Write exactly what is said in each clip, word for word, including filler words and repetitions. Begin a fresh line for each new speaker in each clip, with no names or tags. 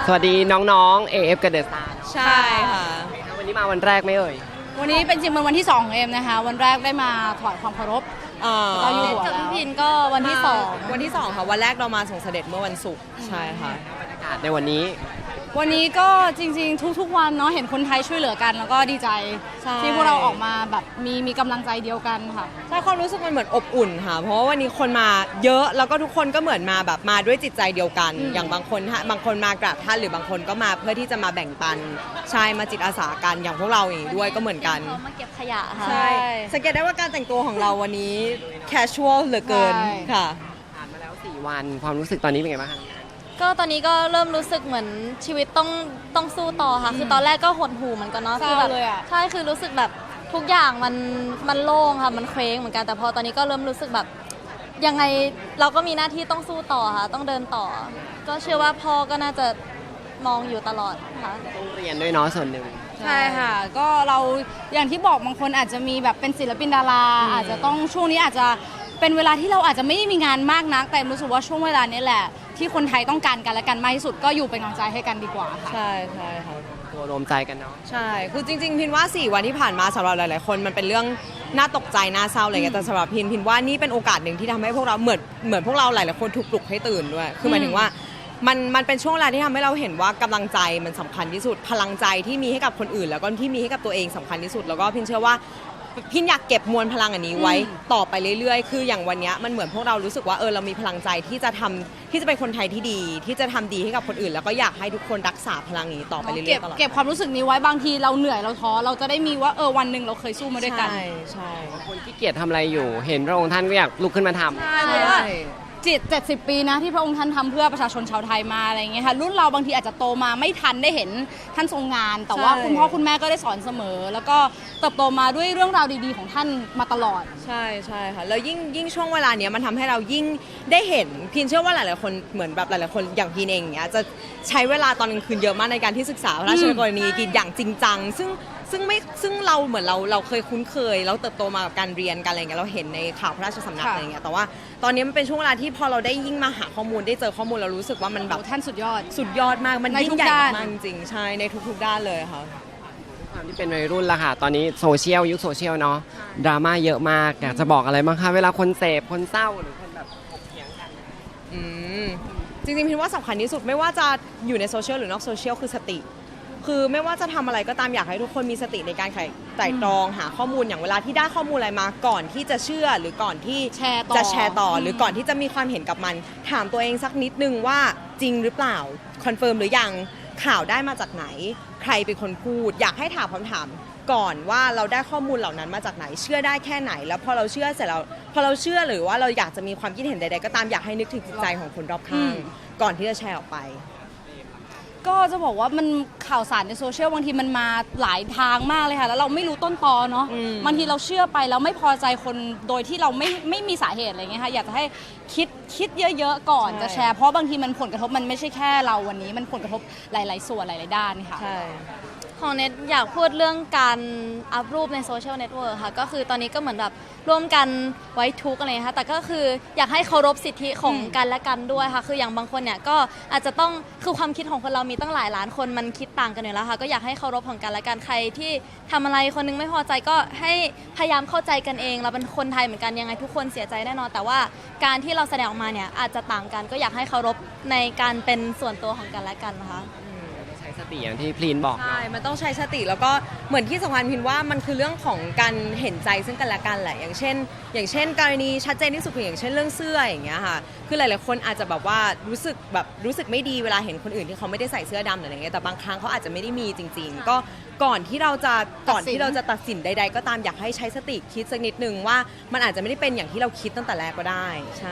สวัสดีน้องๆ เอ เอฟ กับเดอะสตาร์
ใช่ค่ะ
วันนี้มาวันแรกไหมเอ่ย
วันนี้เป็นจริงเป็นวันที่สองของเอ็มนะคะ วันแรกได้มาถวายความเคารพ
อ่า
เราอยู่หัว
กับ
แล้
พี่
ว
พินก็วันที่สอง
วันที่สองค่ะวันแรกเรามาส่งเสด็จเมื่อวันศุกร์ใช่ค่ะ
บรรยากาศในวันนี้
วันนี้ก็จริงๆ ทุกๆวันเนาะเห็นคนไทยช่วยเหลือกัน แล้วก็ดีใจ
ใช่
ที่พวกเราออกมาแบบมีมีกำลังใจเดียวกันค่ะ
ใช่ความรู้สึกมันเหมือนอบอุ่นค่ะ เพราะว่าวันนี้คนมาเยอะแล้วก็ทุกคนก็เหมือนมาแบบมาด้วยจิตใจเดียวกัน
อืม
อย่างบางคนฮะบางคนมากราบท่านหรือบางคนก็มาเพื่อที่จะมาแบ่งปันใช่มาจิตอาสากันอย่างพวกเราอย่างนี้ด้วยก็เหมือนกัน
พร้อมมาเก็บขยะค่ะ
ใช่สังเกตได้ว่าการแต่งตัวของเราวันนี้ casual เหลือเกิน
ใช่
ค่ะ
ผ่านมาแล้วสี่วันความรู้สึกตอนนี้เป็นไงบ้างคะ
ก็ตอนนี้ก็เริ่มรู้สึกเหมือนชีวิตต้องต้องสู้ต่อค่ะ คือตอนแรกก็หดหู่เหมือนกันเนาะ
เศร้า
คืแบบ
เลยอะ
ใช่คือรู้สึกแบบทุกอย่างมันมันโล่งค่ะมันเคว้งเหมือนกันแต่พอตอนนี้ก็เริ่มรู้สึกแบบยังไงเราก็มีหน้าที่ต้องสู้ต่อค่ะต้องเดินต่อ ก็เชื่อว่าพ่อก็น่าจะมองอยู่ตลอดค่ะ
ต้องเรียนด้วยเนาะส่วนหนึ่ง
ใช่ค่ะ ก็เราอย่างที่บอกบางคนอาจจะมีแบบเป็นศิลปินดาราอาจจะต้องช่วงนี้อาจจะเป็นเวลาที่เราอาจจะไม่ได้มีงานมากนัก แต่รู้สึกว่าช่วงเวลานี้แหละ ที่คนไทยต้องการกันและกันมากที่สุดก็อยู่เป็นกำลังใจให้กันดีกว่าค่ะ
ใช่ใช่ค่ะ
ตัวรวมใจกันเนาะ
ใช่ คือจริงๆ พินว่า สี่ วันที่ผ่านมาสำหรับหลายๆ คนมันเป็นเรื่องน่าตกใจ น่าเศร้าอะไรเงี้ย แต่สำหรับพินพินว่านี่เป็นโอกาสหนึ่งที่ทำให้พวกเราเหมือนเหมือนพวกเราหลายๆ คนถูกปลุกให้ตื่นด้วย คือหมายถึงว่ามันมันเป็นช่วงเวลาที่ทำให้เราเห็นว่ากำลังใจมันสำคัญที่สุด พลังใจที่มีให้กับคนอื่น แล้วก็ที่มีให้กับตัวเองสำคัญที่สุด แล้วก็พินเชื่อว่าพินอยากเก็บมวลพลังอันนี้ไว้ต่อไปเรื่อยๆ คืออย่างวันเนี้ยมันเหมือนพวกเรารู้สึกว่าเออเรามีพลังใจที่จะทำที่จะเป็นคนไทยที่ดี ที่จะทำดีให้กับคนอื่น แล้วก็อยากให้ทุกคนรักษาพลังนี้ต่อไปเรื่อ
เก็บ
ยๆตลอด
เก็บความรู้สึกนี้ไว้บางทีเราเหนื่อยเราท้อเราจะได้มีว่าเออวันหนึ่งเราเคยสู้มาด้วยกัน
ใช่ใช่
คนที่เกียจทำอะไรอยู่ เห็นพระองค์ท่านก็อยากลุกขึ้นมาทำ
ใช่เพราะว่าจิตเจ็ดสิบปีนะที่พระองค์ท่านทำเพื่อประชาชนชาวไทยมาอะไรอย่างเงี้ยค่ะรุ่นเราบางทีอาจจะโตมาไม่ทันได้เห็นท่านทรงงาน แต่ว่า
ใช่
คุณพ่อคุณแม่ก็ได้สอนเสมอ แล้วก็เติบโตมาด้วยเรื่องราวดีๆของท่านมาตลอด
ใช่ใช่ค่ะแล้วยิ่งยิ่งช่วงเวลาเนี้ยมันทำให้เรายิ่งได้เห็นพินเชื่อว่าหลาย ๆ คนเหมือนแบบหลาย ๆ คนอย่างพินเองเนี้ยจะใช้เวลาตอนกลางคืนเยอะมากในการที่ศึกษาพระราชกรณียกิจอย่างจริงจังซึ่งซึ่งไม่ซึ่งเราเหมือนเราเราเคยคุ้นเคยเราเติบโตมากับการเรียนกันอะไรเงี้ยเราเห็นในข่าวพระราชสำนัก
ค่ะ
อะไรเงี้ยแต่ว่าตอนนี้มันเป็นช่วงเวลาที่พอเราได้ยิ่งมาหาข้อมูลได้เจอข้อมูลเรารู้สึกว่ามันแบบ
โอ้ท่านสุดยอด
สุดยอดมากมัน
ใน
ยิ่
ทุ
ง
ก
ใหญ่
ด้าน
มากจริงๆใช่ในทุก ๆ ด้านเลยค่ะ
ความที่เป็นวัยรุ่นละค่ะ ตอนนี้โซเชียลยุคโซเชียลเนาะดราม่าเยอะมากอยากจะบอกอะไรบ้างคะเวลาคนเสพคนเศร้าหรือคนแบบถกเถียงกัน
อืมจริงๆพินว่าสำคัญที่สุดไม่ว่าจะอยู่ในโซเชียลหรือนอกโซเชียลคือสติ คือไม่ว่าจะทำอะไรก็ตามอยากให้ทุกคนมีสติในการไขไตร่ตรองหาข้อมูลอย่างเวลาที่ได้ข้อมูลอะไรมาก่อนที่จะเชื่อหรือก่อนที่
แชร์ต่อ
จะแชร์ต่ออ
ม
หรือก่อนที่จะมีความเห็นกับมัน ถามตัวเองสักนิดนึงว่าจริงหรือเปล่าคอนเฟิร์มหรือยังข่าวได้มาจากไหน ใครเป็นคนพูด อยากให้ถามคำถามก่อนว่าเราได้ข้อมูลเหล่านั้นมาจากไหน เชื่อได้แค่ไหน แล้วพอเราเชื่อเสร็จแล้วพอเราเชื่อหรือว่าเราอยากจะมีความคิดเห็นใดๆก็ตามอยากให้นึกถึงจิตใจของคนรอบข้างก่อนที่จะแชร์ออกไป
ก็จะบอกว่ามันข่าวสารในโซเชียลบางทีมันมาหลายทางมากเลยค่ะ แล้วเราไม่รู้ต้นตอเนาะ
อืม
บางทีเราเชื่อไปแล้วไม่พอใจคนโดยที่เราไม่ไม่มีสาเหตุอะไรเงี้ยค่ะอยากจะให้คิดคิดเยอะๆก่อนจะแชร์เพราะบางทีมันผลกระทบมันไม่ใช่แค่เราวันนี้มันผลกระทบหลายๆส่วนหลายๆด้านค่ะ
ใช่
ของเน็ตอยากพูดเรื่องการอัพรูปในโซเชียลเน็ตเวิร์กค่ะก็คือตอนนี้ก็เหมือนแบบร่วมกันไว้ทุกข์อะไรนะคะแต่ก็คืออยากให้เคารพสิทธิของ
อืม
กันและกันด้วยค่ะคืออย่างบางคนเนี่ยก็อาจจะต้องคือความคิดของคนเรามีตั้งหลายล้านคนมันคิดต่างกันอยู่แล้วค่ะก็อยากให้เคารพของกันและกันใครที่ทำอะไรคนนึงไม่พอใจก็ให้พยายามเข้าใจกันเองเราเป็นคนไทยเหมือนกันยังไงทุกคนเสียใจแน่นอนแต่ว่าการที่เราแสดงออกมาเนี่ยอาจจะต่างกันก็อยากให้เคารพในการเป็นส่วนตัวของกันและกันนะคะ
ใช้สติอย่างที่พลีนบอก
ใช่ มันต้องใช้สติแล้วก็เหมือนที่สำคัญพินว่ามันคือเรื่องของการเห็นใจซึ่งกันและกันแหละ อย่างเช่น อย่างเช่นกรณีชัดเจนที่สุดคืออย่างเช่นเรื่องเสื้ออย่างเงี้ยค่ะ คือหลายๆคนอาจจะแบบว่ารู้สึกแบบรู้สึกไม่ดีเวลาเห็นคนอื่นที่เขาไม่ได้ใส่เสื้อดำหรืออะไรเงี้ย แต่บางครั้งเขาอาจจะไม่ได้มีจริง ๆ ก็ก่อนที่เราจะก่อนที่เราจะตัดสินใด ๆ ก็ตามอยากให้ใช้สติคิดสักนิดนึงว่ามันอาจจะไม่ได้เป็นอย่างที่เราคิดตั้งแต่แรกก็ได้ ใช่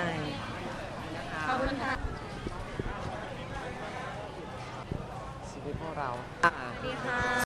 ชีวิตพวกเรา